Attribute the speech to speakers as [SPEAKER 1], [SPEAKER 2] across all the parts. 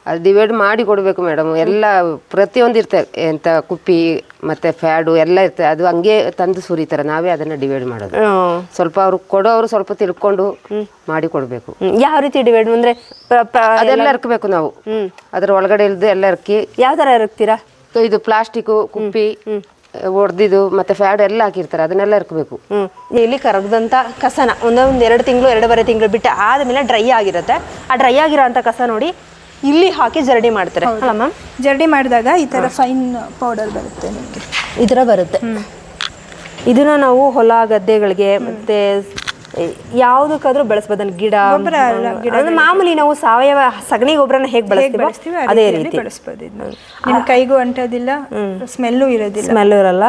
[SPEAKER 1] ಅದು ಡಿವೈಡ್ ಮಾಡಿ ಕೊಡಬೇಕು ಮೇಡಮ್. ಎಲ್ಲ ಪ್ರತಿಯೊಂದು ಇರ್ತದೆ, ಎಂತ ಕುಪ್ಪಿ ಮತ್ತೆ ಫ್ಯಾಡು ಎಲ್ಲ ಇರ್ತದೆ. ಅದು ಹಂಗೆ ತಂದು ಸುರಿತಾರೆ, ನಾವೇ ಅದನ್ನ ಡಿವೈಡ್ ಮಾಡೋದು. ಸ್ವಲ್ಪ ಅವ್ರು ಕೊಡೋರು ಸ್ವಲ್ಪ ತಿಳ್ಕೊಂಡು ಮಾಡಿ ಕೊಡಬೇಕು.
[SPEAKER 2] ಯಾವ ರೀತಿ ಡಿವೈಡ್ ಅಂದ್ರೆ
[SPEAKER 1] ಅದೆಲ್ಲ ಇರ್ಕಬೇಕು ನಾವು, ಅದ್ರ ಒಳಗಡೆ ಇಲ್ದು ಎಲ್ಲ ಇರ್ಕಿ.
[SPEAKER 2] ಯಾವ ತರ ಇರುತ್ತೀರಾ?
[SPEAKER 1] ಇದು ಪ್ಲಾಸ್ಟಿಕ್ ಕುಪ್ಪಿ ಹೊಡೆದಿದ್ದು ಮತ್ತೆ ಫ್ಯಾಡ್ ಎಲ್ಲ ಹಾಕಿರ್ತಾರೆ, ಅದನ್ನೆಲ್ಲ ಇರ್ಕಬೇಕು.
[SPEAKER 2] ಇಲ್ಲಿ ಕರಗದಂತ ಕಸನ ಒಂದೊಂದು 2 ತಿಂಗಳು 2.5 ತಿಂಗಳು ಬಿಟ್ಟು ಆದ್ಮೇಲೆ ಡ್ರೈ ಆಗಿರುತ್ತೆ. ಆ ಡ್ರೈ ಆಗಿರೋಂಥ ಕಸ ನೋಡಿ ಇಲ್ಲಿ ಹಾಕಿ ಜರಡಿ ಮಾಡ್ತಾರೆ ಅಲ್ಲ ಮ್ಯಾಮ್?
[SPEAKER 3] ಜರಡಿ ಮಾಡಿದಾಗ ಈ ತರ ಫೈನ್ ಪೌಡರ್ ಬರುತ್ತೆ ನಿಮಗೆ,
[SPEAKER 2] ಈ ಥರ ಬರುತ್ತೆ. ಇದನ್ನ ನಾವು ಹೊಲ ಗದ್ದೆಗಳಿಗೆ ಮತ್ತೆ ಯಾವುದಕ್ಕಾದ್ರೂ ಬಳಸ್ಬೋದನ್ನ, ಗಿಡ ಮಾಮೂಲಿ ನಾವು ಸಾವಯವ ಸಗಣಿ ಗೊಬ್ಬರನ ಹೇಗೆ ಬಳಸ್ತೀವಿ ಅದೇ ರೀತಿ
[SPEAKER 3] ಬಳಸ್ಬೋದು. ನಿಮ್ಮ ಕೈಗೂ ಅಂಟೋದಿಲ್ಲ, ಸ್ಮೆಲ್ಲು ಇರೋದಿಲ್ಲ,
[SPEAKER 2] ಸ್ಮೆಲ್ ಇರಲ್ಲ.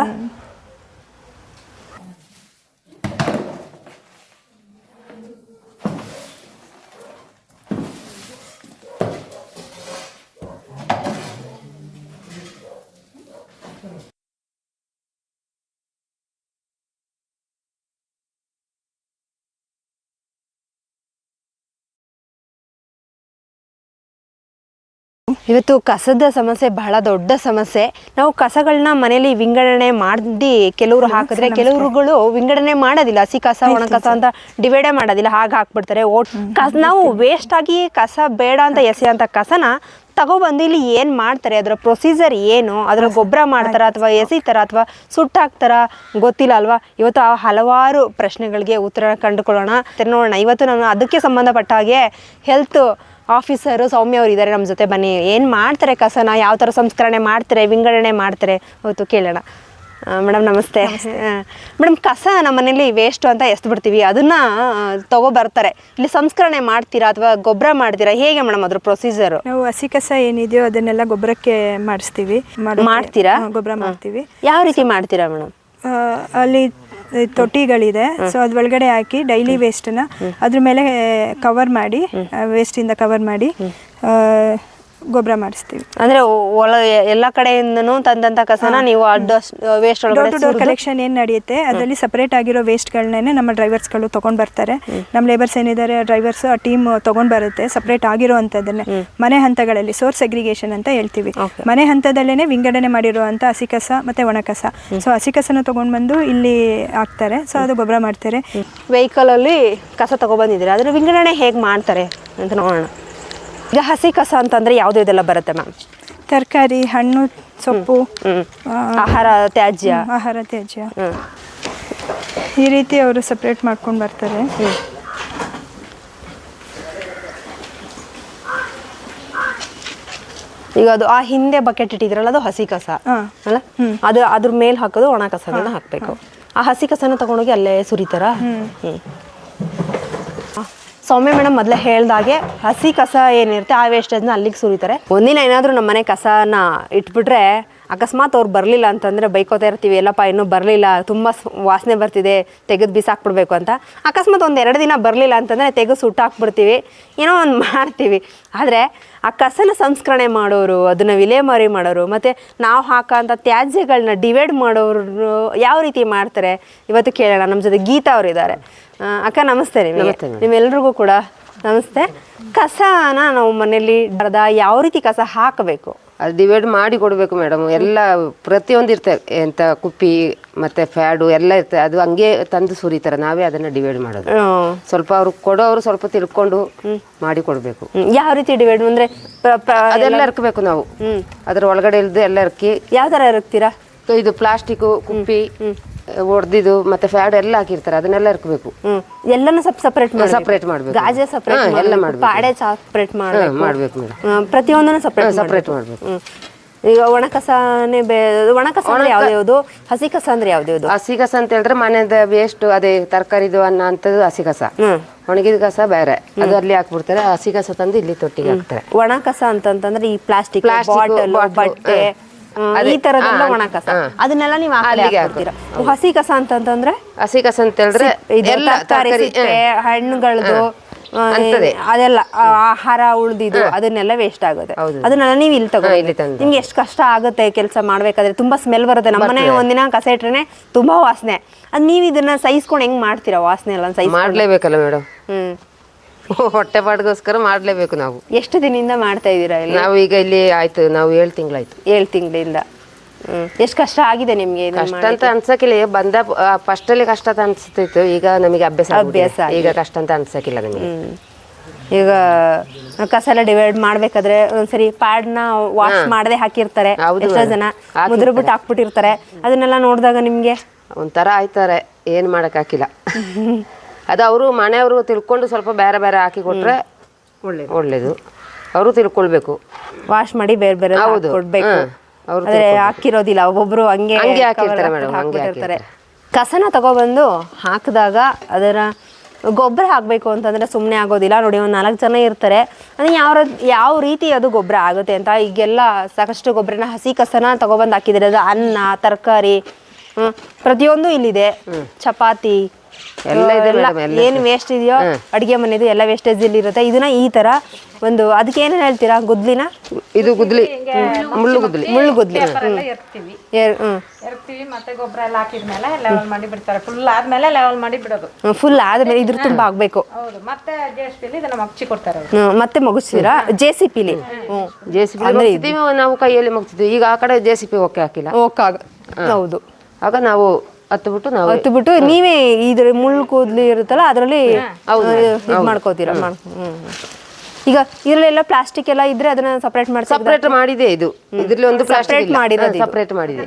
[SPEAKER 2] ಇವತ್ತು ಕಸದ ಸಮಸ್ಯೆ ಬಹಳ ದೊಡ್ಡ ಸಮಸ್ಯೆ. ನಾವು ಕಸಗಳನ್ನ ಮನೇಲಿ ವಿಂಗಡಣೆ ಮಾಡಿ ಕೆಲವರು ಹಾಕಿದ್ರೆ ಕೆಲವರುಗಳು ವಿಂಗಡಣೆ ಮಾಡೋದಿಲ್ಲ. ಹಸಿ ಕಸ ಒಣ ಕಸ ಅಂತ ಡಿವೈಡೇ ಮಾಡೋದಿಲ್ಲ, ಹಾಗೆ ಹಾಕ್ಬಿಡ್ತಾರೆ. ನಾವು ವೇಸ್ಟ್ ಆಗಿ ಕಸ ಬೇಡ ಅಂತ ಎಸೆಯೋಂಥ ಕಸನ ತಗೊಬಂದು ಇಲ್ಲಿ ಏನು ಮಾಡ್ತಾರೆ, ಅದರ ಪ್ರೊಸೀಜರ್ ಏನು, ಅದರ ಗೊಬ್ಬರ ಮಾಡ್ತಾರ ಅಥವಾ ಎಸಿತಾರ ಅಥವಾ ಸುಟ್ಟಾಕ್ತಾರ ಗೊತ್ತಿಲ್ಲ ಅಲ್ವಾ. ಇವತ್ತು ಆ ಹಲವಾರು ಪ್ರಶ್ನೆಗಳಿಗೆ ಉತ್ತರ ಕಂಡುಕೊಳ್ಳೋಣ, ನೋಡೋಣ. ಇವತ್ತು ನಾನು ಅದಕ್ಕೆ ಸಂಬಂಧಪಟ್ಟ ಹಾಗೆ ಹೆಲ್ತ್ ಆಫೀಸರು ಸೌಮ್ಯ ಅವರು ಇದ್ದಾರೆ ನಮ್ಮ ಜೊತೆ. ಬನ್ನಿ, ಏನು ಮಾಡ್ತಾರೆ ಕಸನ, ಯಾವ ಥರ ಸಂಸ್ಕರಣೆ ಮಾಡ್ತಾರೆ, ವಿಂಗಡಣೆ ಮಾಡ್ತಾರೆ ಇವತ್ತು ಕೇಳೋಣ. ಮೇಡಮ್ ನಮಸ್ತೆ. ಮೇಡಮ್, ಕಸ ನಮ್ಮ ಮನೇಲಿ ವೇಸ್ಟು ಅಂತ ಎಸ್ಬಿಡ್ತೀವಿ, ಅದನ್ನು ತಗೊಬರ್ತಾರೆ. ಇಲ್ಲಿ ಸಂಸ್ಕರಣೆ ಮಾಡ್ತೀರಾ ಅಥವಾ ಗೊಬ್ಬರ ಮಾಡ್ತೀರಾ, ಹೇಗೆ ಮೇಡಮ್ ಅದ್ರ ಪ್ರೊಸೀಜರು?
[SPEAKER 3] ನಾವು ಹಸಿ ಕಸ ಏನಿದೆಯೋ ಅದನ್ನೆಲ್ಲ ಗೊಬ್ಬರಕ್ಕೆ ಮಾಡಿಸ್ತೀವಿ.
[SPEAKER 2] ಮಾಡ್ತೀರಾ?
[SPEAKER 3] ಗೊಬ್ಬರ ಮಾಡ್ತೀವಿ.
[SPEAKER 2] ಯಾವ ರೀತಿ ಮಾಡ್ತೀರಾ ಮೇಡಮ್?
[SPEAKER 3] ಅಲ್ಲಿ ತೊಟ್ಟಿಗಳಿದೆ, ಸೊ ಅದ್ರ ಒಳಗಡೆ ಹಾಕಿ ಡೈಲಿ ವೇಸ್ಟನ್ನ ಅದ್ರ ಮೇಲೆ ಕವರ್ ಮಾಡಿ, ವೇಸ್ಟಿಂದ ಕವರ್ ಮಾಡಿ ಗೊಬ್ಬರ ಮಾಡಿಸ್ತೀವಿ.
[SPEAKER 2] ಅಂದ್ರೆ ಎಲ್ಲ ಕಡೆಯಿಂದನೂ ತಂದಂತ ಕಸನ ನೀವು waste
[SPEAKER 3] door to door collection ಏನು ನಡೆಯುತ್ತೆ ಅದರಲ್ಲಿ ಸಪರೇಟ್ ಆಗಿರೋ ವೇಸ್ಟ್ಗಳನ್ನೇ ನಮ್ಮ ಡ್ರೈವರ್ಸ್ಗಳು ತೊಗೊಂಡು ಬರ್ತಾರೆ. ನಮ್ಮ ಲೇಬರ್ಸ್ ಏನಿದ್ದಾರೆ ಡ್ರೈವರ್ಸ್ ಆ ಟೀಮ್ ತೊಗೊಂಡು ಬರುತ್ತೆ ಸಪರೇಟ್ ಆಗಿರೋ ಅಂಥದ್ದನ್ನೇ. ಮನೆ ಹಂತಗಳಲ್ಲಿ ಸೋರ್ಸ್ ಅಗ್ರಿಗೇಷನ್ ಅಂತ ಹೇಳ್ತೀವಿ. ಮನೆ ಹಂತದಲ್ಲೇ ವಿಂಗಡಣೆ ಮಾಡಿರುವಂಥ ಹಸಿ ಕಸ ಮತ್ತು ಒಣ ಕಸ. ಸೊ ಹಸಿ ಕಸನ ತೊಗೊಂಡು ಬಂದು ಇಲ್ಲಿ ಹಾಕ್ತಾರೆ, ಸೊ ಅದು ಗೊಬ್ಬರ ಮಾಡ್ತಾರೆ.
[SPEAKER 2] ವೆಹಿಕಲಲ್ಲಿ ಕಸ ತೊಗೊಬಂದಿದ್ದೀರಾ, ಅದ್ರ ವಿಂಗಡಣೆ ಹೇಗೆ ಮಾಡ್ತಾರೆ ಅಂತ ನೋಡೋಣ. ಈಗ ಹಸಿ ಕಸ ಅಂತಂದರೆ ಯಾವುದು ಇದೆಲ್ಲ ಬರುತ್ತೆ ಮ್ಯಾಮ್?
[SPEAKER 3] ತರಕಾರಿ, ಹಣ್ಣು, ಸೊಪ್ಪು,
[SPEAKER 2] ಆಹಾರ ತ್ಯಾಜ್ಯ.
[SPEAKER 3] ಈ ರೀತಿ ಅವರು ಸಪ್ರೇಟ್ ಮಾಡ್ಕೊಂಡು ಬರ್ತಾರೆ.
[SPEAKER 2] ಈಗ ಅದು ಆ ಹಿಂದೆ ಬಕೆಟ್ ಇಟ್ಟಿದ್ರಲ್ಲ, ಅದು ಹಸಿ ಕಸ ಅಲ್ಲ, ಅದು ಅದ್ರ ಮೇಲೆ ಹಾಕೋದು ಒಣ ಕಸಗಳನ್ನ ಹಾಕಬೇಕು. ಆ ಹಸಿ ಕಸನ ತಗೊಂಡೋಗಿ ಅಲ್ಲೇ ಸುರಿತಾರ? ಸೌಮ್ಯ ಮೇಡಮ್ ಮೊದಲೇ ಹೇಳ್ದಾಗೆ ಹಸಿ ಕಸ ಏನಿರುತ್ತೆ ಆ ವೇಸ್ಟೇಜ್ನ ಅಲ್ಲಿಗೆ ಸುರಿತಾರೆ. ಒಂದಿನ ಏನಾದರೂ ನಮ್ಮ ಮನೆ ಕಸನ ಇಟ್ಬಿಟ್ರೆ ಅಕಸ್ಮಾತ್ ಅವ್ರು ಬರಲಿಲ್ಲ ಅಂತಂದರೆ ಬೈಕೋತಾ ಇರ್ತೀವಿ, ಎಲ್ಲಪ್ಪ ಇನ್ನೂ ಬರಲಿಲ್ಲ, ತುಂಬ ವಾಸನೆ ಬರ್ತಿದೆ, ತೆಗೆದು ಬಿಸಾಕ್ಬಿಡ್ಬೇಕು ಅಂತ. ಅಕಸ್ಮಾತ್ 1-2 ದಿನ ಬರಲಿಲ್ಲ ಅಂತಂದರೆ ತೆಗೆದು ಸುಟ್ಟಾಕ್ಬಿಡ್ತೀವಿ, ಏನೋ ಒಂದು ಮಾಡ್ತೀವಿ. ಆದರೆ ಆ ಕಸನ ಸಂಸ್ಕರಣೆ ಮಾಡೋರು, ಅದನ್ನು ವಿಲೇವಾರಿ ಮಾಡೋರು, ಮತ್ತು ನಾವು ಹಾಕೋಂಥ ತ್ಯಾಜ್ಯಗಳನ್ನ ಡಿವೈಡ್ ಮಾಡೋರು ಯಾವ ರೀತಿ ಮಾಡ್ತಾರೆ ಇವತ್ತು ಕೇಳೋಣ. ನಮ್ಮ ಜೊತೆ ಗೀತಾ ಅವರು ಇದ್ದಾರೆ. ಅಕ್ಕ ನಮಸ್ತೆ. ನಿಮ್ಮೆಲ್ರಿಗೂ ಕೂಡ ನಮಸ್ತೆ. ಕಸನ ನಾವು ಮನೇಲಿ ಯಾವ ರೀತಿ ಕಸ ಹಾಕಬೇಕು?
[SPEAKER 1] ಅದು ಡಿವೈಡ್ ಮಾಡಿ ಕೊಡಬೇಕು ಮೇಡಮ್. ಎಲ್ಲ ಪ್ರತಿಯೊಂದು ಇರ್ತದೆ, ಎಂತ ಕುಪ್ಪಿ ಮತ್ತೆ ಫ್ಯಾಡು ಎಲ್ಲ ಇರ್ತದೆ. ಅದು ಹಂಗೆ ತಂದು ಸುರಿತಾರೆ, ನಾವೇ ಅದನ್ನ ಡಿವೈಡ್ ಮಾಡೋದು. ಸ್ವಲ್ಪ ಅವ್ರು ಕೊಡೋರು ಸ್ವಲ್ಪ ತಿಳ್ಕೊಂಡು ಮಾಡಿ ಕೊಡಬೇಕು.
[SPEAKER 2] ಯಾವ ರೀತಿ ಡಿವೈಡ್ ಅಂದ್ರೆ?
[SPEAKER 1] ಅದೆಲ್ಲ ಇರ್ಕಬೇಕು ನಾವು, ಅದ್ರ ಒಳಗಡೆ ಇಲ್ದು ಎಲ್ಲ ಇರ್ಕಿ.
[SPEAKER 2] ಯಾವ ತರ ಇರ್ತೀರಾ?
[SPEAKER 1] ಇದು ಪ್ಲಾಸ್ಟಿಕ್ ಕುಪ್ಪಿ ಹೊಡೆದಿದ್ದು ಮತ್ತೆ ಫ್ಯಾಡ್ ಎಲ್ಲ ಹಾಕಿರ್ತಾರೆ, ಅದನ್ನೆಲ್ಲ ಇರ್ಕಬೇಕು.
[SPEAKER 2] ಎಲ್ಲನೂ ಸಪರೇಟ್
[SPEAKER 1] ಮಾಡ್ಬೇಕು.
[SPEAKER 2] ಗಾಜೆ ಸಪರೇಟ್
[SPEAKER 1] ಎಲ್ಲ ಮಾಡ್ಬೇಕು,
[SPEAKER 2] ಪಾಡೆ ಸಪರೇಟ್
[SPEAKER 1] ಮಾಡ್ಬೇಕು ಮೇಡಮ್.
[SPEAKER 2] ಪ್ರತಿಯೊಂದನ್ನು ಸಪರೇಟ್
[SPEAKER 1] ಮಾಡ್ಬೇಕು.
[SPEAKER 2] ಈಗ ಒಣ ಕಸನೇ ಒಣ ಕಸ ಅಂದ್ರೆ ಯಾವ್ದು, ಹಸಿ ಕಸ ಅಂದ್ರೆ ಯಾವ್ದು?
[SPEAKER 1] ಹಸಿ ಕಸ ಅಂತ ಹೇಳಿದ್ರೆ ಮನೆದ ವೇಸ್ಟ್, ಅದೇ ತರಕಾರಿದು ಅನ್ನ ಅಂತದ್ದು ಹಸಿ ಕಸ. ಒಣಗಿದ ಕಸ ಬೇರೆ, ಅದು ಅಲ್ಲಿ ಹಾಕ್ಬಿಡ್ತಾರೆ. ಹಸಿ ಕಸ ತಂದು ಇಲ್ಲಿ ತೊಟ್ಟಿಗೆ ಹಾಕ್ತಾರೆ.
[SPEAKER 2] ಒಣ ಕಸ ಅಂತಂದ್ರೆ ಈ ಪ್ಲಾಸ್ಟಿಕ್ ಬಾಟಲ್, ಬಟ್ಟೆ, ಈ ತರದೆಲ್ಲ ಒಣ ಕಸ, ಅದನ್ನೆಲ್ಲ ನೀವು ಹಾಕ್ತೀರಾ. ಹಸಿ ಕಸ ಅಂತಂದ್ರೆ?
[SPEAKER 1] ಹಸಿ ಕಸ ಅಂತ ಹೇಳಿದ್ರೆ
[SPEAKER 2] ಹಣ್ಣುಗಳದು ಅದೆಲ್ಲ ಆಹಾರ ಉಳ್ದಿದ್ದು ಅದನ್ನೆಲ್ಲ ವೇಸ್ಟ್ ಆಗುತ್ತೆ. ಅದನ್ನೆಲ್ಲ ನೀವು ಇಲ್ಲಿ ತಗೊಂಡು ನಿಮ್ಗೆ ಎಷ್ಟು ಕಷ್ಟ ಆಗುತ್ತೆ ಕೆಲಸ ಮಾಡ್ಬೇಕಾದ್ರೆ. ತುಂಬಾ ಸ್ಮೆಲ್ ಬರುತ್ತೆ. ನಮ್ಮನೆ ಒಂದಿನ ಕಸ ಇಟ್ರೆ ತುಂಬಾ ವಾಸನೆ. ಅದ್ ನೀವು ಇದನ್ನ ಸಹಿಸ್ಕೊಂಡು ಹೆಂಗ್ ಮಾಡ್ತೀರಾ? ವಾಸನೆ ಎಲ್ಲ ಸಹಿಸಿ
[SPEAKER 1] ಮಾಡ್ಲೇಬೇಕಲ್ಲ ಮೇಡಮ್. ಹೊಟ್ಟೆ ಪಾಡ್ಗೋಸ್ಕರ ಮಾಡಲೇಬೇಕು ನಾವು.
[SPEAKER 2] ಎಷ್ಟು ದಿನದಿಂದ ಮಾಡ್ತಾ ಇದ್ದೀರಾ ಇಲ್ಲಿ?
[SPEAKER 1] ನಾವು ಈಗ ಇಲ್ಲಿ ಆಯ್ತು, ನಾವು 7 ತಿಂಗಳಾಯ್ತು.
[SPEAKER 2] 7 ತಿಂಗಳಿಂದ. ಎಷ್ಟು ಕಷ್ಟ ಆಗಿದೆ ನಿಮಗೆ?
[SPEAKER 1] ಕಷ್ಟ ಅಂತ ಅನ್ಸಕ್ಕಿಲ್ಲ, ಬಂದ ಫಸ್ಟಲ್ಲಿ ಕಷ್ಟ ಅಂತ ಅನ್ಸ್ತಿತ್ತು, ಈಗ ನಮಗೆ ಅಭ್ಯಾಸ ಈಗ ಕಷ್ಟ ಅಂತ ಅನ್ಸಕ್ಕಿಲ್ಲ ನಮಗೆ.
[SPEAKER 2] ಈಗ ಕಸ ಎಲ್ಲ ಡಿವೈಡ್ ಮಾಡ್ಬೇಕಾದ್ರೆ ಒಂದ್ಸರಿ ಪ್ಯಾಡ್ನ ವಾಶ್ ಮಾಡದೆ ಹಾಕಿರ್ತಾರೆ, ಎಷ್ಟೋ ಜನ ಮುದ್ರಬಿಟ್ಟು ಹಾಕ್ಬಿಟ್ಟಿರ್ತಾರೆ. ಅದನ್ನೆಲ್ಲ ನೋಡಿದಾಗ ನಿಮ್ಗೆ
[SPEAKER 1] ಒಂಥರ ಆಯ್ತಾರೆ, ಏನು ಮಾಡಕ್ ಹಾಕಿಲ್ಲ. ಅದು ಅವರು ಮನೆಯವರು ತಿಳ್ಕೊಂಡು ಸ್ವಲ್ಪ ಬೇರೆ ಬೇರೆ ಹಾಕಿ ಕೊಟ್ರೆ ಒಳ್ಳೇದು. ಅವರು ತಿಳ್ಕೊಳ್ಬೇಕು,
[SPEAKER 2] ವಾಶ್ ಮಾಡಿ ಬೇರೆ ಬೇರೆ ಕೊಡ್ಬೇಕು. ಆದ್ರೆ ಹಾಕಿರೋದಿಲ್ಲ, ಒಬ್ಬೊಬ್ರು ಹಂಗೆ ಹಾಕಿರ್ತಾರೆ. ಕಸನ ತಗೊಬಂದು ಹಾಕಿದಾಗ ಅದರ ಗೊಬ್ಬರ ಹಾಕಬೇಕು ಅಂತಂದರೆ ಸುಮ್ಮನೆ ಆಗೋದಿಲ್ಲ. ನೋಡಿ, ಒಂದು 4 ಜನ ಇರ್ತಾರೆ, ಅಂದರೆ ಯಾವ ರೀತಿ ಅದು ಗೊಬ್ಬರ ಆಗುತ್ತೆ ಅಂತ. ಈಗೆಲ್ಲ ಸಾಕಷ್ಟು ಗೊಬ್ಬರನ ಹಸಿ ಕಸನ ತಗೊಬಂದು ಹಾಕಿದ್ದಾರೆ. ಅದು ಅನ್ನ, ತರಕಾರಿ, ಪ್ರತಿಯೊಂದು ಇಲ್ಲಿದೆ. ಚಪಾತಿ ಎಲ್ಲ ಏನು ವೇಸ್ಟ್ ಇದೆಯೋ ಅಡುಗೆ ಮನೆದು ಎಲ್ಲ ವೇಸ್ಟೇಜ್ ಇಲ್ಲಿ ಇರುತ್ತೆ. ಇದನ್ನ ಈ ಥರ ಒಂದು ಅದಕ್ಕೆ ಏನೇನು ಹೇಳ್ತೀರಾ? ಗುದ್ಲಿನ
[SPEAKER 1] ಇದು ಗುದ್ಲಿ, ಮುಳ್ಳು ಗುದ್ಲಿ
[SPEAKER 4] ಎರ್ತೀವಿ, ಮತ್ತೆ ಗೊಬ್ಬರ ಎಲ್ಲ ಹಾಕಿದ್ಮೇಲೆ ಲೆವೆಲ್ ಮಾಡಿ ಬಿಡ್ತಾರೆ. ಫುಲ್ ಆದ್ಮೇಲೆ ಲೆವೆಲ್ ಮಾಡಿ ಬಿಡೋದು.
[SPEAKER 2] ಫುಲ್ ಆದ್ಮೇಲೆ ಇದ್ರ ತುಂಬ ಆಗ್ಬೇಕು.
[SPEAKER 4] ಹೌದು, ಮತ್ತೆ JCB ಇದನ್ನ ಮಗ್ಚಿ ಕೊಡ್ತಾರೆ.
[SPEAKER 2] ಮತ್ತೆ ಮುಗಿಸ್ತೀರಾ? JCB
[SPEAKER 1] ನಾವು ಕೈಯಲ್ಲಿ ಮುಗ್ತಿದ್ವಿ. ಈಗ ಆ ಕಡೆ JCB ಓಕೆ ಹಾಕಿಲ್ಲ.
[SPEAKER 2] ಹೌದು,
[SPEAKER 1] ಆಗ ನಾವು ಹತ್ತು
[SPEAKER 2] ನೀವೇ ಇದ್ರ ಮುಳ್ಳು ಕೂದಲು ಇರುತ್ತಲ್ಲ ಅದರಲ್ಲಿ ಇದು ಮಾಡ್ಕೋತೀರಾ? ಈಗ ಇದರಲ್ಲೆಲ್ಲ ಪ್ಲಾಸ್ಟಿಕ್ ಎಲ್ಲ ಇದ್ರೆ ಅದನ್ನ ಸಪರೇಟ್
[SPEAKER 1] ಮಾಡಿದೆ. ಇದು ಇದ್ರಲ್ಲಿ ಒಂದು
[SPEAKER 2] ಸಪರೇಟ್ ಮಾಡಿರೋದು,
[SPEAKER 1] ಸಪರೇಟ್ ಮಾಡಿದೆ.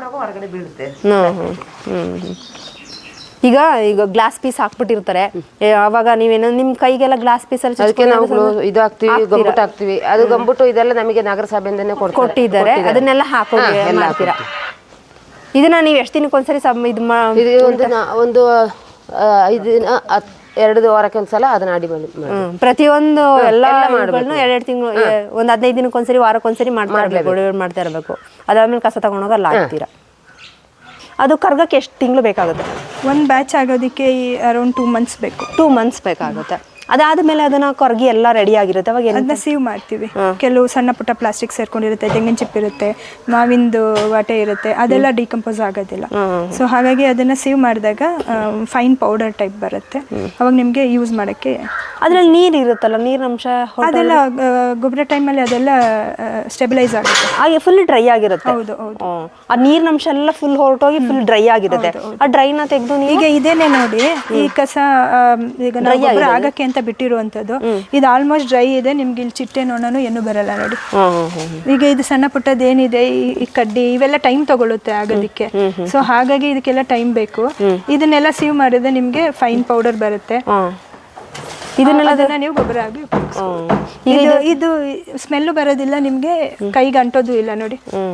[SPEAKER 2] ಈಗ ಗ್ಲಾಸ್ ಪೀಸ್ ಹಾಕ್ಬಿಟ್ಟಿರ್ತಾರೆ, ಅವಾಗ ನೀವೇನೋ ನಿಮ್ ಕೈಗೆಲ್ಲ ಗ್ಲಾಸ್ ಪೀಸ್ ಅಲ್ಲಿ
[SPEAKER 1] ಅದಕ್ಕೆ ನಾವು ಇದು ಹಾಕ್ತಿವಿ, ಗಂಬುಟ್ಟು ಹಾಕ್ತಿವಿ. ಅದು ಗಂಬುಟ್ಟು ಇದೆಲ್ಲ ನಮಗೆ ನಗರಸಭೆಯಿಂದನೇ ಕೊಟ್ಟಿದ್ದಾರೆ.
[SPEAKER 2] ಅದನ್ನೆಲ್ಲ ಹಾಕೋತೀರಾ? ಇದನ್ನ ನೀವು ಎಷ್ಟು ದಿನಕ್ಕೆ ಒಂದ್ಸರಿ
[SPEAKER 1] ಒಂದು 5 ದಿನ 2 ವಾರಕ್ಕೆ ಒಂದ್ಸಲ ಅದನ್ನ ಅಡಿ ಮಾಡಿ
[SPEAKER 2] ಪ್ರತಿಯೊಂದು ಎಲ್ಲ ಮಾಡ್ಗಳನ್ನ 2 ತಿಂಗಳು, ಒಂದು 15 ದಿನಕ್ಕೆ ಒಂದ್ಸರಿ, ವಾರಕ್ಕೊಂದ್ಸರಿ ಮಾಡ್ತಾ ಇರಬೇಕು. ಅದಾದ್ಮೇಲೆ ಕಸ ತಗೊಂಡೋಗ ಅಲ್ಲಿ ಹಾಕ್ತೀರಾ. ಅದು ಕರ್ಗಕ್ಕೆ ಎಷ್ಟು ತಿಂಗಳು ಬೇಕಾಗುತ್ತೆ?
[SPEAKER 3] ಒಂದು ಬ್ಯಾಚ್ ಆಗೋದಕ್ಕೆ ಅರೌಂಡ್ 2 ಮಂತ್ಸ್ ಬೇಕು.
[SPEAKER 2] 2 ಮಂತ್ಸ್ ಬೇಕಾಗುತ್ತೆ. ಅದಾದ್ಮೇಲೆ ಅದನ್ನ ಕೊರಗಿ ಎಲ್ಲ ರೆಡಿ ಆಗಿರುತ್ತೆ. ಅವಾಗ
[SPEAKER 3] ಅದನ್ನ ಸೀವ್ ಮಾಡ್ತೀವಿ. ಕೆಲವು ಸಣ್ಣ ಪುಟ್ಟ ಪ್ಲಾಸ್ಟಿಕ್ ಸೇರ್ಕೊಂಡಿರುತ್ತೆ, ತೆಂಗಿನ ಚಿಪ್ ಇರುತ್ತೆ, ಮಾವಿಂದು ವಾಟೆ ಇರುತ್ತೆ, ಅದೆಲ್ಲ ಡಿಕಂಪೋಸ್ ಆಗೋದಿಲ್ಲ. ಸೊ ಹಾಗಾಗಿ ಅದನ್ನ ಸೀವ್ ಮಾಡಿದಾಗ ಫೈನ್ ಪೌಡರ್ ಟೈಪ್ ಬರುತ್ತೆ. ಅವಾಗ ನಿಮಗೆ ಯೂಸ್ ಮಾಡೋಕ್ಕೆ.
[SPEAKER 2] ಅದ್ರಲ್ಲಿ ನೀರು ಇರುತ್ತಲ್ಲ, ನೀರಿನಂಶ
[SPEAKER 3] ಅದೆಲ್ಲ ಗೊಬ್ಬರ ಟೈಮಲ್ಲಿ ಅದೆಲ್ಲ ಸ್ಟೆಬಿಲೈಸ್ ಆಗುತ್ತೆ.
[SPEAKER 2] ಹಾಗೆ ಫುಲ್ ಡ್ರೈ ಆಗಿರುತ್ತೆ.
[SPEAKER 3] ಹೌದು ಹೌದು,
[SPEAKER 2] ಆ ನೀರಿನಂಶ ಎಲ್ಲ ಫುಲ್ ಹೊರಟೋಗಿ ಫುಲ್ ಡ್ರೈ ಆಗಿರುತ್ತೆ. ಆ ಡ್ರೈನ ತೆಗೆದು
[SPEAKER 3] ಈಗ ಇದೇನೆ ನೋಡಿ, ಈ ಕಸ ಈಗ ನಾವು ಗೊಬ್ಬರ ಆಗಕ್ಕೆ ಅಂತ ಬಿಟ್ಟಿರುವಂತದ್ದು, ಇದು ಆಲ್ಮೋಸ್ಟ್ ಡ್ರೈ ಇದೆ. ನಿಮ್ಗೆ ಇಲ್ಲಿ ಚಿಟ್ಟೆ ನೋಣನು ಏನು ಬರಲ್ಲ ನೋಡಿ. ಈಗ ಇದು ಸಣ್ಣ ಪುಟ್ಟದ ಏನಿದೆ, ಈ ಕಡ್ಡಿ ಇವೆಲ್ಲ ಟೈಮ್ ತಗೊಳುತ್ತೆ ಆಗೋದಿಕ್ಕೆ. ಸೊ ಹಾಗಾಗಿ ಇದಕ್ಕೆಲ್ಲ ಟೈಮ್ ಬೇಕು. ಇದನ್ನೆಲ್ಲ ಸೀವ್ ಮಾಡಿದ್ರೆ ನಿಮ್ಗೆ ಫೈನ್ ಪೌಡರ್ ಬರುತ್ತೆ. ಇದನ್ನೆಲ್ಲ ನೀವು ಗೊಬ್ಬರ ಆಗಿ ಇದು ಸ್ಮೆಲ್ಲು ಬರೋದಿಲ್ಲ, ನಿಮ್ಗೆ ಕೈಗೆ ಅಂಟೋದು ಇಲ್ಲ ನೋಡಿ.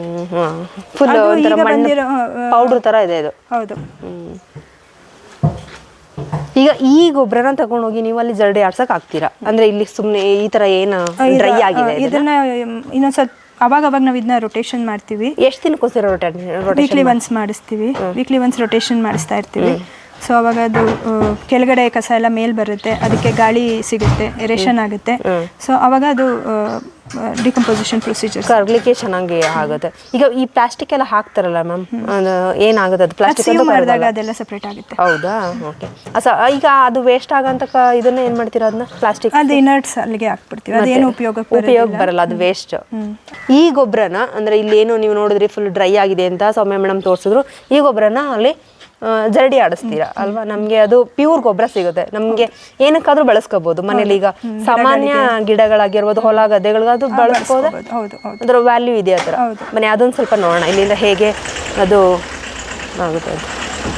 [SPEAKER 2] ಪೌಡರ್ ತರ ಇದೆ ಇದು.
[SPEAKER 3] ಹೌದು.
[SPEAKER 2] ಈಗ ಈ ಗೊಬ್ಬರನ ತಗೊಂಡೋಗಿ ನೀವು ಅಲ್ಲಿ ಜರಡಿ ಆಡ್ಸಕ್ ಆಗ್ತೀರಾ? ಅಂದ್ರೆ ಇಲ್ಲಿ ಸುಮ್ನೆ ಈ ತರ ಏನು ಡ್ರೈ ಆಗಿದೆ,
[SPEAKER 3] ಇದನ್ನ ಇನ್ನೊಂದ್ಸಲ ಅವಾಗ ನಾವು ಇದನ್ನ ರೊಟೇಷನ್ ಮಾಡ್ತೀವಿ.
[SPEAKER 2] ಎಷ್ಟು ದಿನಕ್ಕೋಸ್ಕರ
[SPEAKER 3] ವೀಕ್ಲಿ ಒನ್ಸ್ ಮಾಡಿಸ್ತೀವಿ. ವೀಕ್ಲಿ ಒನ್ಸ್ ರೊಟೇಷನ್ ಮಾಡಿಸ್ತಾ ಇರ್ತೀವಿ. ಸೊ ಅವಾಗ ಅದು ಕೆಳಗಡೆ ಕಸ ಎಲ್ಲ ಮೇಲ್ ಬರುತ್ತೆ, ಅದಕ್ಕೆ ಗಾಳಿ ಸಿಗುತ್ತೆ, ಎರೇಷನ್ ಆಗುತ್ತೆ. ಸೊ ಅವಾಗ ಅದು ಡಿಕಂಪೋಸಿಷನ್ ಪ್ರೊಸೀಜರ್
[SPEAKER 2] ಕರ್ಲಿಕ್ಕೆ ಚೆನ್ನಾಗಿ ಆಗುತ್ತೆ. ಈಗ ಈ ಪ್ಲಾಸ್ಟಿಕ್ ಎಲ್ಲ ಹಾಕ್ತಾರಲ್ಲ ಮ್ಯಾಮ್, ಏನಾಗುತ್ತೆ ಅದು? ಪ್ಲಾಸ್ಟಿಕ್
[SPEAKER 3] ಮಾಡಿದಾಗ ಅದೆಲ್ಲ ಸೆಪರೇಟ್ ಆಗುತ್ತೆ.
[SPEAKER 2] ಹೌದಾ? ಓಕೆ. ಈಗ ಅದು ವೇಸ್ಟ್ ಆಗಂತ ಇದನ್ನ ಏನ್ ಮಾಡ್ತೀರಾ? ಅದನ್ನ ಪ್ಲಾಸ್ಟಿಕ್
[SPEAKER 3] ಅದು ಇನರ್ಟ್ಸ್ ಅಲ್ಲಿಗೆ ಹಾಕ್ಬಿಡ್ತೀವಿ. ಅದೇನು ಉಪಯೋಗ
[SPEAKER 2] ಬರಲ್ಲ, ಅದು ವೇಸ್ಟ್. ಈ ಗೊಬ್ಬರನ ಅಂದ್ರೆ ಇಲ್ಲಿ ಏನು ನೀವು ನೋಡಿದ್ರಿ ಫುಲ್ ಡ್ರೈ ಆಗಿದೆ ಅಂತ ಸೌಮ್ಯ ಮೇಡಮ್ ತೋರಿಸಿದ್ರು. ಈ ಗೊಬ್ಬರನ ಅಲ್ಲಿ ಜರಡಿ ಆಡಿಸ್ತೀರಾ ಅಲ್ವಾ? ನಮ್ಗೆ ಅದು ಪ್ಯೂರ್ ಗೊಬ್ಬರ ಸಿಗುತ್ತೆ. ನಮ್ಗೆ ಏನಕ್ಕಾದ್ರೂ ಬಳಸ್ಕೋಬಹುದು ಮನೇಲಿ. ಈಗ ಸಾಮಾನ್ಯ ಗಿಡಗಳಾಗಿರ್ಬೋದು, ಹೊಲ ಗದ್ದೆಗಳಿಗಾದ್ರೂ ಬಳಸ್ಬೋದು. ಅದ್ರ ವ್ಯಾಲ್ಯೂ ಇದೆ ಆ ಥರ. ಮನೆ ಅದೊಂದು ಸ್ವಲ್ಪ ನೋಡೋಣ ಇಲ್ಲಿಂದ ಹೇಗೆ ಅದು ಆಗುತ್ತೆ ಅಂತ.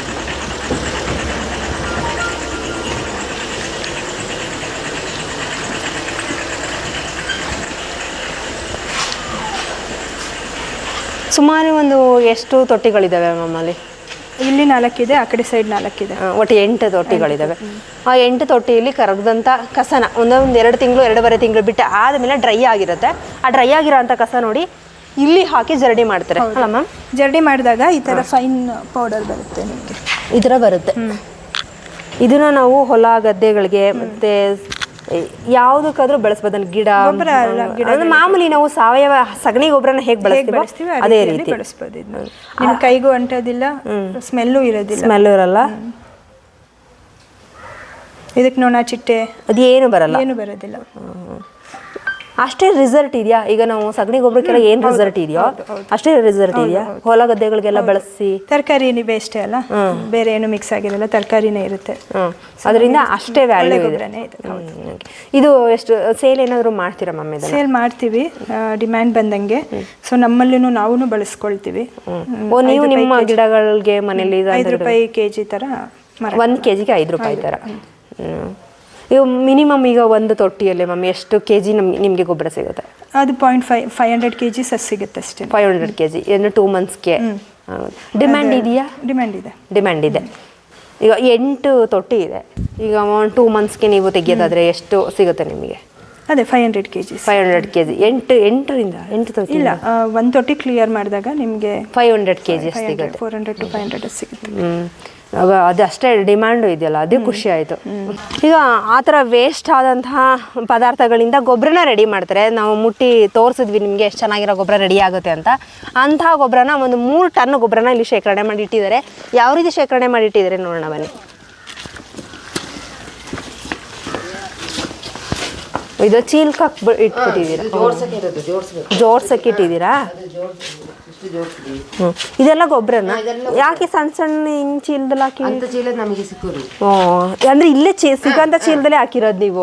[SPEAKER 2] ಸುಮಾರು ಒಂದು ಎಷ್ಟು ತೊಟ್ಟಿಗಳಿದಾವೆ ನಮ್ಮಲ್ಲಿ?
[SPEAKER 3] ಇಲ್ಲಿ 4 ಇದೆ, ಆ ಕಡೆ ಸೈಡ್ 4 ಇದೆ.
[SPEAKER 2] ಒಟ್ಟು 8 ತೊಟ್ಟಿಗಳಿದಾವೆ. ಆ 8 ತೊಟ್ಟಿಯಲ್ಲಿ ಕರಗದಂಥ ಕಸನ ಒಂದೊಂದು 2 ತಿಂಗಳು 2.5 ತಿಂಗಳು ಬಿಟ್ಟು ಆದಮೇಲೆ ಡ್ರೈ ಆಗಿರುತ್ತೆ. ಆ ಡ್ರೈ ಆಗಿರೋಂಥ ಕಸ ನೋಡಿ ಇಲ್ಲಿ ಹಾಕಿ ಜರಡಿ ಮಾಡ್ತಾರೆ ಅಲ್ಲ ಮ್ಯಾಮ್?
[SPEAKER 3] ಜರಡಿ ಮಾಡಿದಾಗ ಈ ಥರ ಫೈನ್ ಪೌಡರ್ ಬರುತ್ತೆ ನಿಮಗೆ,
[SPEAKER 2] ಈ ಥರ ಬರುತ್ತೆ. ಇದನ್ನ ನಾವು ಹೊಲ ಗದ್ದೆಗಳಿಗೆ ಮತ್ತೆ ಯಾವುದಕ್ಕಾದ್ರೂ ಬಳಸ್ಬೋದು. ಗಿಡ ಮಾಮೂಲಿ ನಾವು ಸಾವಯವ ಸಗಣಿ ಗೊಬ್ಬರನ ಹೇಗೆ ಬಳಸ್ತೀವಿ ಅದೇ ರೀತಿ
[SPEAKER 3] ಬಳಸ್ಬೋದು. ನಿಮ್ಮ ಕೈಗೂ ಅಂಟೋದಿಲ್ಲ, ಸ್ಮೆಲ್ಲು ಇರೋದಿಲ್ಲ.
[SPEAKER 2] ಸ್ಮೆಲ್ಲು ಇರಲ್ಲ.
[SPEAKER 3] ಇದಕ್ಕೆ ನೊಣ ಚಿಟ್ಟೆ
[SPEAKER 2] ಅದೇನು ಬರಲ್ಲ,
[SPEAKER 3] ಏನು ಬರೋದಿಲ್ಲ.
[SPEAKER 2] ಅಷ್ಟೇ ರಿಸಲ್ಟ್ ಇದೆಯಾ? ಈಗ ನಾವು ಸಗಣಿ ಗೊಬ್ಬರಕ್ಕೆಲ್ಲ ಏನು ರಿಸಲ್ಟ್ ಇದೆಯೋ ಅಷ್ಟೇ ರಿಸಲ್ಟ್ ಇದೆಯಾ? ಹೊಲ ಗದ್ದೆಗಳಿಗೆಲ್ಲ ಬಳಸಿ
[SPEAKER 3] ತರಕಾರಿನೇ ಬೇಸ್ಟೇ ಅಲ್ಲ, ಬೇರೆ ಏನು ಮಿಕ್ಸ್ ಆಗಿರಲ್ಲ, ತರಕಾರಿನೇ ಇರುತ್ತೆ.
[SPEAKER 2] ಅದರಿಂದ ಅಷ್ಟೇ ವ್ಯಾಲ್ಯೂ ಇದೆ.
[SPEAKER 3] ಇದೆ.
[SPEAKER 2] ಇದು ಎಷ್ಟು ಸೇಲ್ ಏನಾದರೂ ಮಾಡ್ತೀರಾ ಮಮ್ಮಿ?
[SPEAKER 3] ಸೇಲ್ ಮಾಡ್ತೀವಿ ಡಿಮ್ಯಾಂಡ್ ಬಂದಂಗೆ. ಸೊ ನಮ್ಮಲ್ಲೂ ನಾವು ಬಳಸ್ಕೊಳ್ತೀವಿ.
[SPEAKER 2] ನೀವು ನಿಮ್ಮ ಗಿಡಗಳಿಗೆ ಮನೇಲಿ
[SPEAKER 3] ₹5 kg ಥರ
[SPEAKER 2] 1 kgಗೆ ₹5 ಥರ. ಇವು ಮಿನಿಮಮ್ ಈಗ ಒಂದು ತೊಟ್ಟಿಯಲ್ಲಿ ಮಮ್ಮಿ ಎಷ್ಟು kg ನಿಮಗೆ ಗೊಬ್ಬರ ಸಿಗುತ್ತೆ?
[SPEAKER 3] ಅದು 500 kg ಸಿಗುತ್ತೆ ಅಷ್ಟೇ.
[SPEAKER 2] 500 kg ಏನು 2 monthsಗೆ? ಡಿಮ್ಯಾಂಡ್ ಇದೆಯಾ? ಡಿಮ್ಯಾಂಡ್ ಇದೆ. ಈಗ 8 ತೊಟ್ಟಿ ಇದೆ. ಈಗ 2 monthsಗೆ ನೀವು ತೆಗೆಯೋದಾದ್ರೆ ಎಷ್ಟು ಸಿಗುತ್ತೆ ನಿಮಗೆ?
[SPEAKER 3] ಅದೇ 500 kg.
[SPEAKER 2] 500 kg 8 ತೊಟ್ಟಿ
[SPEAKER 3] ಇಲ್ಲ, ಒಂದು ತೊಟ್ಟಿ ಕ್ಲಿಯರ್ ಮಾಡಿದಾಗ ನಿಮಗೆ
[SPEAKER 2] 500 kg ಸಿಗುತ್ತೆ.
[SPEAKER 3] 400 to 500 ಸಿಗುತ್ತೆ.
[SPEAKER 2] ಅದು ಅಷ್ಟೇ ಡಿಮ್ಯಾಂಡು ಇದೆಯಲ್ಲ, ಅದೇ ಖುಷಿ ಆಯಿತು. ಈಗ ಆ ಥರ ವೇಸ್ಟ್ ಆದಂತಹ ಪದಾರ್ಥಗಳಿಂದ ಗೊಬ್ಬರನ ರೆಡಿ ಮಾಡ್ತಾರೆ. ನಾವು ಮುಟ್ಟಿ ತೋರಿಸಿದ್ವಿ ನಿಮಗೆ ಎಷ್ಟು ಚೆನ್ನಾಗಿರೋ ಗೊಬ್ಬರ ರೆಡಿ ಆಗುತ್ತೆ ಅಂತ. ಅಂತಹ ಗೊಬ್ಬರನ ಒಂದು 3 ಟನ್ ಗೊಬ್ಬರನ ಇಲ್ಲಿ ಶೇಖರಣೆ ಮಾಡಿ ಇಟ್ಟಿದ್ದಾರೆ. ಯಾವ ರೀತಿ ಶೇಖರಣೆ ಮಾಡಿ ಇಟ್ಟಿದ್ದಾರೆ ನೋಡೋಣ ಬನ್ನಿ. ಇದು ಚೀಲಕ್ಕೆ ಇಟ್ಬಿಟ್ಟಿದ್ದೀರಾ? ಜೋಡ್ಸಕ್ಕೆ ಇಟ್ಟಿದ್ದೀರಾ? ಇದೆಲ್ಲ ಗೊಬ್ಬರನ ಯಾಕೆ ಸಣ್ಣ ಸಣ್ಣ ಹಿಂಗ್ ಚೀಲದಲ್ಲಿ ಹಾಕಿ?
[SPEAKER 1] ಚೀಲ ನಮಗೆ ಸಿಕ್ಕೋದು.
[SPEAKER 2] ಅಂದ್ರೆ ಇಲ್ಲೇ ಸಿಗೋಂಥ ಚೀಲದಲ್ಲೇ ಹಾಕಿರೋದು ನೀವು?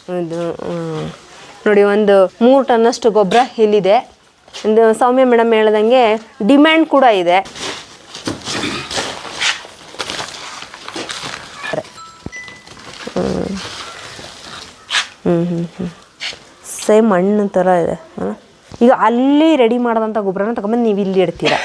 [SPEAKER 2] ನೋಡಿ, ಒಂದು 3 ಟನ್ನಷ್ಟು ಗೊಬ್ಬರ ಇಲ್ಲಿದೆ. ಸೌಮ್ಯ ಮೇಡಮ್ ಹೇಳ್ದಂಗೆ ಡಿಮ್ಯಾಂಡ್ ಕೂಡ ಇದೆ. ಸೇಮ್ ಮಣ್ಣು ಥರ ಇದೆ. ಈಗ ಅಲ್ಲಿ ರೆಡಿ ಮಾಡೋದಂಥ ಗೊಬ್ಬರನ ತಗೊಂಬಂದು ನೀವು ಇಲ್ಲಿ ಇಡ್ತೀರ.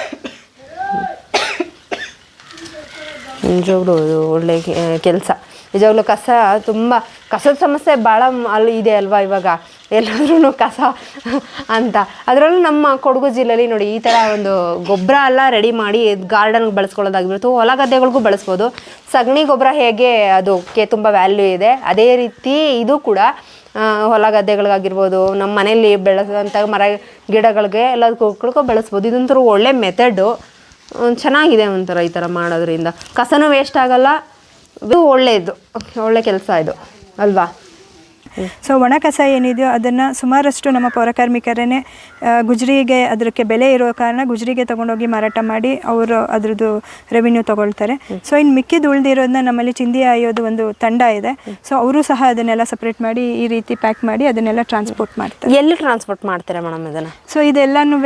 [SPEAKER 2] ನಿಜವಾಗ್ಲೂ ಒಳ್ಳೆ ಕೆಲಸ. ನಿಜವಾಗ್ಲೂ ತುಂಬ ಕಸದ ಸಮಸ್ಯೆ ಭಾಳ ಅಲ್ಲಿ ಇದೆ ಅಲ್ವಾ ಇವಾಗ ಎಲ್ಲಾದ್ರೂ ಕಸ ಅಂತ. ಅದರಲ್ಲೂ ನಮ್ಮ ಕೊಡಗು ಜಿಲ್ಲೆಯಲ್ಲಿ ನೋಡಿ ಈ ಥರ ಒಂದು ಗೊಬ್ಬರ ಎಲ್ಲ ರೆಡಿ ಮಾಡಿ ಗಾರ್ಡನ್ಗೆ ಬಳಸ್ಕೊಳ್ಳೋದಾಗಿರ್ಬೋದು, ಹೊಲ ಗದ್ದೆಗಳಿಗೂ ಬಳಸ್ಬೋದು. ಸಗಣಿ ಗೊಬ್ಬರ ಹೇಗೆ ಅದಕ್ಕೆ ತುಂಬ ವ್ಯಾಲ್ಯೂ ಇದೆ, ಅದೇ ರೀತಿ ಇದು ಕೂಡ ಹೊಲ ಗದ್ದೆಗಳಿಗಾಗಿರ್ಬೋದು, ನಮ್ಮ ಮನೆಯಲ್ಲಿ ಬೆಳೆಸೋಂಥ ಮರ ಗಿಡಗಳಿಗೆ ಎಲ್ಲದಕ್ಕೂ ಬಳಸ್ಬೋದು. ಇದೊಂಥರ ಒಳ್ಳೆ ಮೆಥಡು, ಚೆನ್ನಾಗಿದೆ ಒಂಥರ ಈ ಥರ ಮಾಡೋದ್ರಿಂದ. ಕಸನೂ ವೇಸ್ಟ್ ಆಗಲ್ಲ, ಇದು ಒಳ್ಳೆ ಕೆಲಸ ಇದು ಅಲ್ವಾ?
[SPEAKER 3] ಸೊ ಒಣ ಕಸ ಏನಿದೆಯೋ ಅದನ್ನು ಸುಮಾರಷ್ಟು ನಮ್ಮ ಪೌರಕಾರ್ಮಿಕರೇ ಗುಜರಿಗೆ ಅದಕ್ಕೆ ಬೆಲೆ ಇರೋ ಕಾರಣ ಗುಜರಿಗೆ ತೊಗೊಂಡೋಗಿ ಮಾರಾಟ ಮಾಡಿ ಅವರು ಅದ್ರದ್ದು ರೆವಿನ್ಯೂ ತೊಗೊಳ್ತಾರೆ. ಸೊ ಇನ್ನು ಮಿಕ್ಕಿದ್ದು ಉಳಿದಿರೋದನ್ನ ನಮ್ಮಲ್ಲಿ ಚಿಂದಿ ಆಯೋದು ಒಂದು ತಂಡ ಇದೆ. ಸೊ ಅವರು ಸಹ ಅದನ್ನೆಲ್ಲ ಸಪ್ರೇಟ್ ಮಾಡಿ ಈ ರೀತಿ ಪ್ಯಾಕ್ ಮಾಡಿ ಅದನ್ನೆಲ್ಲ ಟ್ರಾನ್ಸ್ಪೋರ್ಟ್ ಮಾಡ್ತಾರೆ.
[SPEAKER 2] ಎಲ್ಲಿ ಟ್ರಾನ್ಸ್ಪೋರ್ಟ್ ಮಾಡ್ತಾರೆ ಮೇಡಮ್ ಇದನ್ನು?
[SPEAKER 3] ಸೊ ಇದೆಲ್ಲನೂ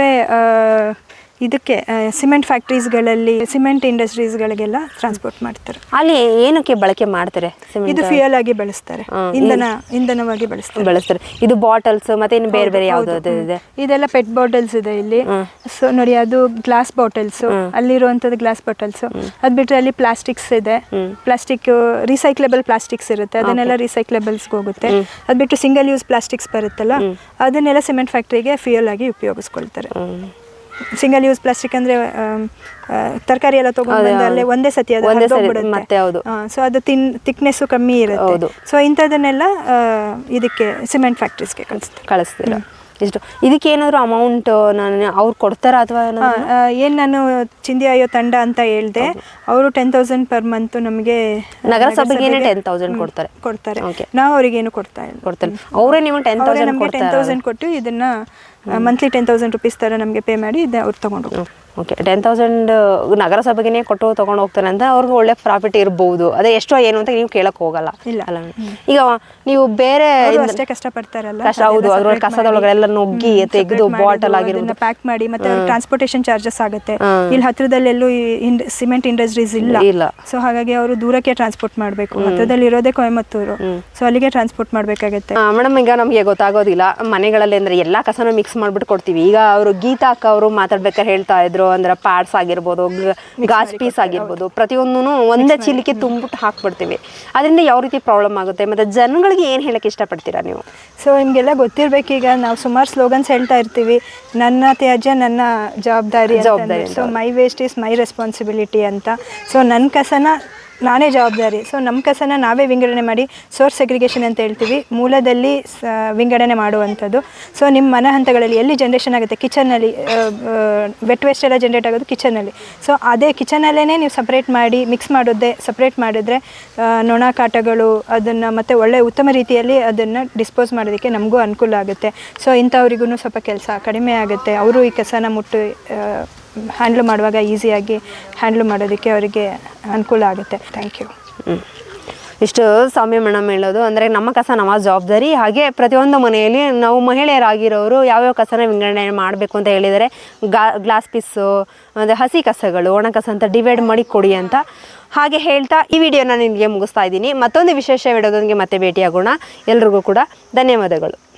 [SPEAKER 3] ಇದಕ್ಕೆ ಸಿಮೆಂಟ್ ಫ್ಯಾಕ್ಟ್ರೀಸ್ಗಳಲ್ಲಿ, ಸಿಮೆಂಟ್ ಇಂಡಸ್ಟ್ರೀಸ್ಗಳಿಗೆಲ್ಲ ಟ್ರಾನ್ಸ್ಪೋರ್ಟ್ ಮಾಡ್ತಾರೆ.
[SPEAKER 2] ಅಲ್ಲಿ ಏನಕ್ಕೆ ಬಳಕೆ ಮಾಡ್ತಾರೆ?
[SPEAKER 3] ಇದು ಫ್ಯೂಯಲ್ ಆಗಿ ಬಳಸ್ತಾರೆ, ಇಂಧನವಾಗಿ ಬಳಸ್ತಾರೆ.
[SPEAKER 2] ಇದು ಬಾಟಲ್ಸ್ ಮತ್ತೆ ಇನ್ನು ಬೇರೆ ಬೇರೆ ಯಾವ್ದು ಇದೆ?
[SPEAKER 3] ಇದೆಲ್ಲ ಪೆಟ್ ಬಾಟಲ್ಸ್ ಇದೆ ಇಲ್ಲಿ. ಸೊ ನೋಡಿ, ಅದು ಗ್ಲಾಸ್ ಬಾಟಲ್ಸ್, ಅಲ್ಲಿರುವಂಥದ್ದು ಗ್ಲಾಸ್ ಬಾಟಲ್ಸ್. ಅದು ಬಿಟ್ಟರೆ ಅಲ್ಲಿ ಪ್ಲಾಸ್ಟಿಕ್ಸ್ ಇದೆ. ಪ್ಲಾಸ್ಟಿಕ್ ರೀಸೈಕ್ಲೇಬಲ್ ಪ್ಲಾಸ್ಟಿಕ್ಸ್ ಇರುತ್ತೆ, ಅದನ್ನೆಲ್ಲ ರೀಸೈಕ್ಲೇಬಲ್ಸ್ಗೆ ಹೋಗುತ್ತೆ. ಅದು ಬಿಟ್ಟು ಸಿಂಗಲ್ ಯೂಸ್ ಪ್ಲಾಸ್ಟಿಕ್ಸ್ ಬರುತ್ತಲ್ಲ, ಅದನ್ನೆಲ್ಲ ಸಿಮೆಂಟ್ ಫ್ಯಾಕ್ಟ್ರಿಗೆ ಫ್ಯೂಯಲ್ ಆಗಿ ಉಪಯೋಗಿಸ್ಕೊಳ್ತಾರೆ. ಸಿಂಗಲ್ ಯೂಸ್ ಪ್ಲಾಸ್ಟಿಕ್ ಅಂದ್ರೆ ತರಕಾರಿ ಎಲ್ಲ ತಗೊಂಡು ಅಲ್ಲೇ ಒಂದೇ ಸತಿ
[SPEAKER 2] ಮತ್ತೆ
[SPEAKER 3] ಸೊ ಅದು ಥಿಕ್ನೆಸ್ ಕಮ್ಮಿ ಇರುತ್ತೆ. ಸೊ ಇಂಥದನ್ನೆಲ್ಲ ಇದಕ್ಕೆ ಸಿಮೆಂಟ್ ಫ್ಯಾಕ್ಟ್ರೀಸ್ಗೆ
[SPEAKER 2] ಕಳಿಸ್ತೀರಾ? ಇಷ್ಟು ಇದಕ್ಕೆ ಏನಾದ್ರು ಅಮೌಂಟ್ ಅವ್ರು ಕೊಡ್ತಾರಾ ಅಥವಾ
[SPEAKER 3] ಏನು? ನಾನು ಚಿಂದಿ ಆಯೋ ತಂಡ ಅಂತ ಹೇಳಿದೆ, ಅವರು 10,000 per month ನಮಗೆ
[SPEAKER 2] ನಗರಸಭೆಗೆ 10,000 ಕೊಡ್ತಾರೆ.
[SPEAKER 3] ನಾವು ಅವ್ರಿಗೇನು ಕೊಡ್ತಾರೆ.
[SPEAKER 2] ಅವರೇ ನಿಮಗೆ
[SPEAKER 3] 10,000 ಕೊಟ್ಟು ಇದನ್ನ ಮಂತ್ಲಿ 10,000 rupees ಥರ ನಮಗೆ ಪೇ ಮಾಡಿ ಅವ್ರು ತಗೊಂಡು ಹೋಗ್ತಾರೆ.
[SPEAKER 2] ಓಕೆ, 10,000 ನಗರಸಭೆಗೆ ಕೊಟ್ಟು ತೊಗೊಂಡು ಹೋಗ್ತಾರೆ ಅಂತ ಅವ್ರಿಗೆ ಒಳ್ಳೆ ಪ್ರಾಫಿಟ್ ಇರ್ಬೋದು. ಅದೇ ಎಷ್ಟೋ ಏನು ಅಂತ ನೀವು ಕೇಳಕ್ ಹೋಗಲ್ಲ ಅಲ್ಲ? ಈಗ ನೀವು ಬೇರೆ
[SPEAKER 3] ಅಷ್ಟೇ ಕಷ್ಟಪಡ್ತಾರಲ್ಲ,
[SPEAKER 2] ಹೌದು, ಅದ್ರೊಳಗೆ ಕಸದೊಳಗೆಲ್ಲ ನುಗ್ಗಿ ತೆಗೆದು ಬಾಟಲ್ ಆಗಿರೋದನ್ನ
[SPEAKER 3] ಪ್ಯಾಕ್ ಮಾಡಿ ಮತ್ತೆ ಟ್ರಾನ್ಸ್ಪೋರ್ಟೇಷನ್ ಚಾರ್ಜಸ್ ಆಗುತ್ತೆ. ಇಲ್ಲಿ ಹತ್ರದಲ್ಲೆಲ್ಲೂ ಸಿಮೆಂಟ್ ಇಂಡಸ್ಟ್ರೀಸ್ ಇಲ್ಲ. ಸೊ ಹಾಗಾಗಿ ಅವರು ದೂರಕ್ಕೆ ಟ್ರಾನ್ಸ್ಪೋರ್ಟ್ ಮಾಡಬೇಕು. ಹತ್ರದಲ್ಲಿ ಇರೋದೇ ಕೊಯಮತ್ತೂರು. ಸೊ ಅಲ್ಲಿಗೆ ಟ್ರಾನ್ಸ್ಪೋರ್ಟ್ ಮಾಡಬೇಕಾಗತ್ತೆ.
[SPEAKER 2] ಮೇಡಮ್, ಈಗ ನಮಗೆ ಗೊತ್ತಾಗೋದಿಲ್ಲ ಮನೆಗಳಲ್ಲಿ ಅಂದ್ರೆ ಎಲ್ಲಾ ಕಸನ ಮಿಕ್ಸ್ ಮಾಡ್ಬಿಟ್ಟು ಕೊಡ್ತೀವಿ. ಈಗ ಅವರು ಗೀತಾ ಅಕ್ಕ ಅವರು ಮಾತಾಡ್ಬೇಕಾದ್ರೆ ಹೇಳ್ತಾ ಇದ್ರು, ಅಂದ್ರೆ ಪ್ಯಾಡ್ಸ್ ಆಗಿರ್ಬೋದು, ಗಾಜ್ ಪೀಸ್ ಆಗಿರ್ಬೋದು, ಪ್ರತಿಯೊಂದೂ ಒಂದೇ ಚೀಲಕ್ಕೆ ತುಂಬಿಟ್ಟು ಹಾಕ್ಬಿಡ್ತೀವಿ. ಅದರಿಂದ ಯಾವ ರೀತಿ ಪ್ರಾಬ್ಲಮ್ ಆಗುತ್ತೆ, ಮತ್ತೆ ಜನಗಳಿಗೆ ಏನು ಹೇಳಕ್ಕೆ ಇಷ್ಟಪಡ್ತೀರಾ ನೀವು?
[SPEAKER 3] ಸೊ ನಿಮಗೆಲ್ಲ ಗೊತ್ತಿರಬೇಕೀಗ ನಾವು ಸುಮಾರು ಸ್ಲೋಗನ್ಸ್ ಹೇಳ್ತಾ ಇರ್ತೀವಿ, ನನ್ನ ತ್ಯಾಜ್ಯ ನನ್ನ ಜವಾಬ್ದಾರಿ. So my waste is my responsibility ಅಂತ. ಸೊ ನನ್ನ ಕಸನ ನಾನೇ ಜವಾಬ್ದಾರಿ. ಸೊ ನಮ್ಮ ಕಸನ ನಾವೇ ವಿಂಗಡಣೆ ಮಾಡಿ ಸೋರ್ಸ್ ಸೆಗ್ರಿಗೇಷನ್ ಅಂತ ಹೇಳ್ತೀವಿ, ಮೂಲದಲ್ಲಿ ವಿಂಗಡಣೆ ಮಾಡುವಂಥದ್ದು. ಸೊ ನಿಮ್ಮ ಮನೆ ಹಂತಗಳಲ್ಲಿ ಎಲ್ಲಿ ಜನ್ರೇಷನ್ ಆಗುತ್ತೆ, ಕಿಚನಲ್ಲಿ ವೆಟ್ ವೇಸ್ಟ್ ಎಲ್ಲ ಜನ್ರೇಟ್ ಆಗೋದು ಕಿಚನಲ್ಲಿ. ಸೊ ಅದೇ ಕಿಚನಲ್ಲೇ ನೀವು ಸಪ್ರೇಟ್ ಮಾಡಿ ಮಿಕ್ಸ್ ಮಾಡೋದೇ ಸಪ್ರೇಟ್ ಮಾಡಿದ್ರೆ ನೊಣ ಕಾಟಗಳು ಅದನ್ನು ಮತ್ತು ಒಳ್ಳೆ ಉತ್ತಮ ರೀತಿಯಲ್ಲಿ ಅದನ್ನು ಡಿಸ್ಪೋಸ್ ಮಾಡೋದಕ್ಕೆ ನಮಗೂ ಅನುಕೂಲ ಆಗುತ್ತೆ. ಸೊ ಇಂಥವ್ರಿಗೂ ಸ್ವಲ್ಪ ಕೆಲಸ ಕಡಿಮೆ ಆಗುತ್ತೆ. ಅವರು ಈ ಕಸನ ಹ್ಯಾಂಡ್ಲ್ ಮಾಡುವಾಗ ಈಸಿಯಾಗಿ ಹ್ಯಾಂಡ್ಲ್ ಮಾಡೋದಕ್ಕೆ ಅವರಿಗೆ ಅನುಕೂಲ ಆಗುತ್ತೆ. Thank you.
[SPEAKER 2] ಇಷ್ಟು ಸೌಮ್ಯ ಮೇಡಮ್ ಹೇಳೋದು ಅಂದರೆ ನಮ್ಮ ಕಸ ನಮ್ಮ ಜವಾಬ್ದಾರಿ. ಹಾಗೆ ಪ್ರತಿಯೊಂದು ಮನೆಯಲ್ಲಿ ನಾವು ಮಹಿಳೆಯರಾಗಿರೋರು ಯಾವ್ಯಾವ ಕಸನ ವಿಂಗಡಣೆ ಮಾಡಬೇಕು ಅಂತ ಹೇಳಿದರೆ ಗ್ಲಾಸ್ ಪೀಸು ಅಂದರೆ ಹಸಿ ಕಸಗಳು, ಒಣ ಕಸ ಅಂತ ಡಿವೈಡ್ ಮಾಡಿ ಕೊಡಿ ಅಂತ ಹಾಗೆ ಹೇಳ್ತಾ ಈ ವಿಡಿಯೋನ ನಿಮಗೆ ಮುಗಿಸ್ತಾ ಇದ್ದೀನಿ. ಮತ್ತೊಂದು ವಿಶೇಷ ವಿಡಿಯೋದೊಂದಿಗೆ ಮತ್ತೆ ಭೇಟಿಯಾಗೋಣ. ಎಲ್ರಿಗೂ ಕೂಡ ಧನ್ಯವಾದಗಳು.